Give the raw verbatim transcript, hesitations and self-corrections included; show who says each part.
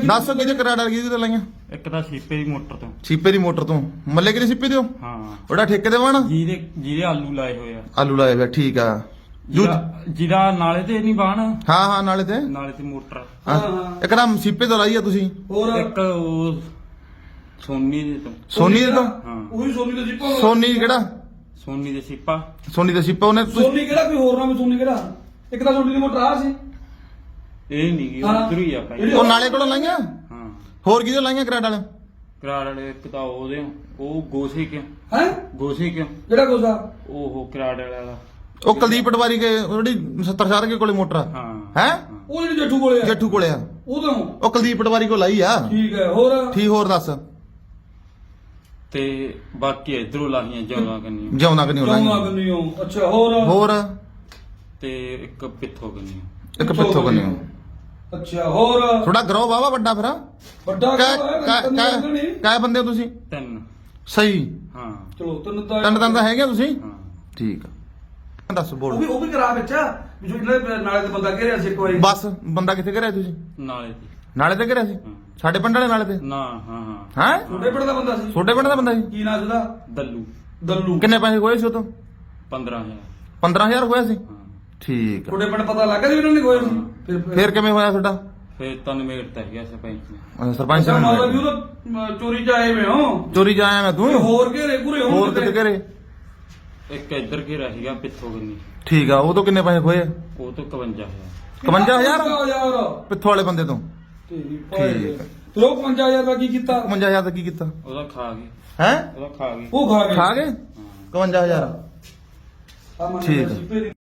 Speaker 1: ਦੱਸ ਕਿਹਦੇ ਕਰਾ ਡਰ ਗਈ ਤੇ ਲਾਈਆਂ
Speaker 2: ਇੱਕ ਤਾਂ ਸੀਪੇ ਦੀ ਮੋਟਰ ਤੋਂ
Speaker 1: ਸੀਪੇ ਦੀ ਮੋਟਰ ਤੋਂ ਮੱਲੇ ਕਿਹਦੇ ਸੀਪੇ ਦਿਓ
Speaker 2: ਹਾਂ
Speaker 1: ਉਹਦਾ ਠੇਕੇ ਦੇ ਵਾਣਾ
Speaker 2: ਜਿਹਦੇ ਜਿਹਦੇ ਆਲੂ ਲਾਏ ਹੋਏ ਆ
Speaker 1: ਆਲੂ ਲਾਏ ਵੇ ਠੀਕ ਆ
Speaker 2: ਜਿਹਦਾ ਜਿਹਦਾ ਨਾਲੇ ਤੇ ਨਹੀਂ ਬਾਣ
Speaker 1: ਹਾਂ ਹਾਂ ਨਾਲੇ ਤੇ
Speaker 2: ਨਾਲੇ ਤੇ ਮੋਟਰ
Speaker 1: ਹਾਂ ਇੱਕ ਨਾ ਸੀਪੇ ਤੋਂ ਲਾਈ ਆ ਤੁਸੀਂ
Speaker 3: ਹੋਰ
Speaker 2: ਇੱਕ ਉਹ ਸੋਨੀ ਦੇ ਤੋਂ
Speaker 1: ਸੋਨੀ ਦੇ ਤੋਂ
Speaker 2: ਹਾਂ
Speaker 3: ਉਹੀ ਸੋਨੀ ਦਾ ਸੀਪਾ
Speaker 1: ਸੋਨੀ ਕਿਹੜਾ
Speaker 2: ਸੋਨੀ ਦੇ ਸੀਪਾ
Speaker 1: ਸੋਨੀ ਦਾ ਸੀਪਾ ਉਹਨੇ ਤੁਸੀਂ-
Speaker 3: ਸੋਨੀ ਕਿਹੜਾ ਕੋਈ ਹੋਰ ਨਾਮ ਸੋਨੀ ਕਿਹੜਾ ਇੱਕ ਤਾਂ ਸੋਨੀ ਦੀ ਮੋਟਰ ਆ ਸੀ
Speaker 2: ਇਹ ਨਹੀਂ ਗੀ
Speaker 3: ਹਾਂ।
Speaker 2: ਉਧਰ ਹੀ ਆ ਭਾਈ
Speaker 1: ਉਹ ਨਾਲੇ ਕੋਲੋਂ ਲਾਈਆਂ
Speaker 2: ਹਾਂ
Speaker 1: ਹੋਰ ਕਿਹਦੇ ਲਾਈਆਂ ਕਰਾੜ ਵਾਲੇ
Speaker 2: ਕਰਾੜ ਵਾਲੇ ਇੱਕ ਤਾਂ ਉਹਦੇ ਉਹ ਗੋਸੇ ਕਿਉਂ
Speaker 3: ਹੈ
Speaker 2: ਗੋਸੇ ਕਿਉਂ
Speaker 3: ਜਿਹੜਾ ਕੋਸਾ
Speaker 2: ਉਹ ਕਰਾੜ ਵਾਲਾ
Speaker 1: ਉਹ ਕੁਲਦੀਪ ਪਟਵਾਰੀ ਕੇ ਉਹ ਜਿਹੜੀ ਸੱਤਰ ਸਾਰ ਕੇ ਕੋਲੇ ਮੋਟਰ ਆ
Speaker 2: ਹਾਂ
Speaker 1: ਹੈ
Speaker 3: ਉਹ ਜਿਹੜੀ ਜੱਠੂ ਕੋਲੇ ਆ
Speaker 1: ਜੱਠੂ ਕੋਲੇ ਆ
Speaker 3: ਉਦੋਂ
Speaker 1: ਉਹ ਕੁਲਦੀਪ ਪਟਵਾਰੀ ਕੋਲ ਲਾਈ ਆ
Speaker 3: ਠੀਕ ਹੈ ਹੋਰ
Speaker 1: ਠੀਕ ਹੋਰ ਦੱਸ
Speaker 2: ਤੇ ਬਾਕੀ ਇਧਰੋਂ ਲਾਹੀਆਂ ਜੌਲਾਂ ਕੰਨੀਆਂ
Speaker 1: ਜਿਉਂਦਾ ਕਿ ਨਹੀਂ
Speaker 3: ਚੌਂਗਾ
Speaker 1: ਲਾਈਆਂ
Speaker 3: ਕੰਨੀਓ ਅੱਛਾ ਹੋਰ
Speaker 1: ਹੋਰ
Speaker 2: ਤੇ ਇੱਕ ਪਿੱਥੋਂ ਕੰਨੀਆਂ
Speaker 1: ਇੱਕ ਪਿੱਥੋਂ ਕੰਨੀ
Speaker 3: ਅੱਛਾ ਹੋਰ
Speaker 1: ਥੋੜਾ ਗਰੋ ਵਾਵਾ ਵੱਡਾ ਫਿਰ
Speaker 3: ਵੱਡਾ
Speaker 1: ਕੈ
Speaker 3: ਕੰਮ ਹੈ,
Speaker 1: ਕੈ
Speaker 3: ਕੰਨੀ
Speaker 1: ਕੈ
Speaker 3: ਲੱਗਣੀ।
Speaker 1: ਕੈ ਬੰਦੇ ਹੋ ਤੁਸੀਂ
Speaker 2: ਤਿੰਨ
Speaker 1: ਸਹੀ
Speaker 2: ਹਾਂ
Speaker 3: ਚਲੋ ਤਿੰਨ ਤਾਂ
Speaker 1: ਤਿੰਨ ਤਿੰਨ ਤਾਂ ਹੈਗੇ ਤੁਸੀਂ
Speaker 2: ਹਾਂ
Speaker 1: ਠੀਕ ਆ ਦੱਸ
Speaker 3: ਉਹ
Speaker 1: ਬੋਲ
Speaker 3: ਵੀ ਉਹ ਵੀ ਕਰਾ ਵਿੱਚ ਵੀ ਜੋ ਇਹਨਾਂ ਦੇ ਨਾਲੇ ਤੇ ਬੰਦਾ ਘੇਰਿਆ ਸੀ ਇੱਕ ਵਾਰੀ
Speaker 1: ਬਸ ਬੰਦਾ ਕਿੱਥੇ ਘਰਿਆ ਤੁਸੀਂ
Speaker 2: ਨਾਲੇ ਤੇ
Speaker 1: ਨਾਲੇ ਤੇ ਘਰਿਆ ਸੀ
Speaker 2: ਹਾਂ।
Speaker 1: ਸਾਡੇ ਪਿੰਡ ਵਾਲੇ ਨਾਲੇ ਤੇ
Speaker 2: ਨਾ ਹਾਂ ਹਾਂ
Speaker 1: ਹੈ
Speaker 3: ਛੋਟੇ ਪਿੰਡ ਦਾ ਬੰਦਾ ਸੀ
Speaker 1: ਛੋਟੇ ਪਿੰਡ ਦਾ ਬੰਦਾ ਸੀ
Speaker 3: ਕੀ ਨਾਂ ਸੀ ਉਹਦਾ
Speaker 2: ਦੱਲੂ
Speaker 3: ਦੱਲੂ
Speaker 1: ਕਿੰਨੇ ਪੈਸੇ ਹੋਏ ਸੀ ਉਹ ਤੋਂ
Speaker 2: ਪੰਦਰਾਂ ਹਜ਼ਾਰ
Speaker 1: ਪੰਦਰਾਂ ਹਜ਼ਾਰ ਹੋਇਆ ਸੀ
Speaker 2: ਹਾਂ
Speaker 1: ਠੀਕ ਆ
Speaker 3: ਛੋਟੇ ਪਿੰਡ ਪਤਾ ਲੱਗ ਗਿਆ ਸੀ ਵੀ ਇਹਨਾਂ ਨੇ ਖੋਏ ਸੀ ਫਿਰ
Speaker 1: ਫੇਰ ਕਿਵੇਂ ਹੋਇਆ ਤੁਹਾਡਾ
Speaker 2: ਫਿਰ ਤਾਂ ਨਿਮੇੜ ਤਾਂ ਗਿਆ ਸਰਪੰਚ ਨੇ
Speaker 1: ਅੱਛਾ, ਸਰਪੰਚ
Speaker 3: ਅੱਛਾ ਮਾਤਾ ਵੀ
Speaker 1: ਨੇ
Speaker 3: ਉਹ ਤਾਂ ਚੋਰੀ ਚ ਆਏ ਵੇ ਹੋ
Speaker 1: ਚੋਰੀ ਜਾ ਆਇਆ ਮੈਂ ਤੂੰ
Speaker 3: ਹੋਰ ਘੇਰੇ ਘੁਰੇ ਹੋਣ
Speaker 1: ਹੋਰ ਕਿਤੇ ਘਰੇ
Speaker 2: ਇੱਕ ਇੱਧਰ ਘੇਰਾ ਸੀਗਾ ਪਿੱਥੋਂ ਕੰਨੀ
Speaker 1: ਠੀਕ ਆ ਉਹ ਤੋਂ ਕਿੰਨੇ ਪੈਸੇ ਹੋਏ
Speaker 2: ਉਹ ਤੋਂ ਇਕਵੰਜਾ ਹਜ਼ਾਰ
Speaker 1: ਇਕਵੰਜਾ ਹਜ਼ਾਰ
Speaker 3: ਹਜ਼ਾਰ
Speaker 1: ਪਿੱਥੋਂ ਵਾਲੇ ਬੰਦੇ ਤੋਂ
Speaker 3: ਤੇਰੀ
Speaker 1: ਠੀਕ
Speaker 3: ਭਾਈ
Speaker 1: ਹੈ।
Speaker 3: ਤੇ ਉਹ ਇਕਵੰਜਾ ਹਜ਼ਾਰ ਦਾ ਕੀ ਕੀਤਾ
Speaker 1: ਇਕਵੰਜਾ ਹਜ਼ਾਰ ਦਾ ਕੀ ਕੀਤਾ
Speaker 2: ਉਹਦਾ ਖਾ ਗਏ
Speaker 1: ਹੈ
Speaker 2: ਉਹਦਾ ਖਾ ਗਏ
Speaker 3: ਉਹ ਖਾ ਗਏ
Speaker 1: ਖਾ ਗਏ
Speaker 2: ਹਾਂ
Speaker 1: ਇਕਵੰਜਾ ਹਜ਼ਾਰ
Speaker 3: ਆ ਮੰਨ
Speaker 1: ਠੀਕ
Speaker 3: ਲਿਆ
Speaker 1: ਹੈ।
Speaker 3: ਸੀ, ਫਿਰ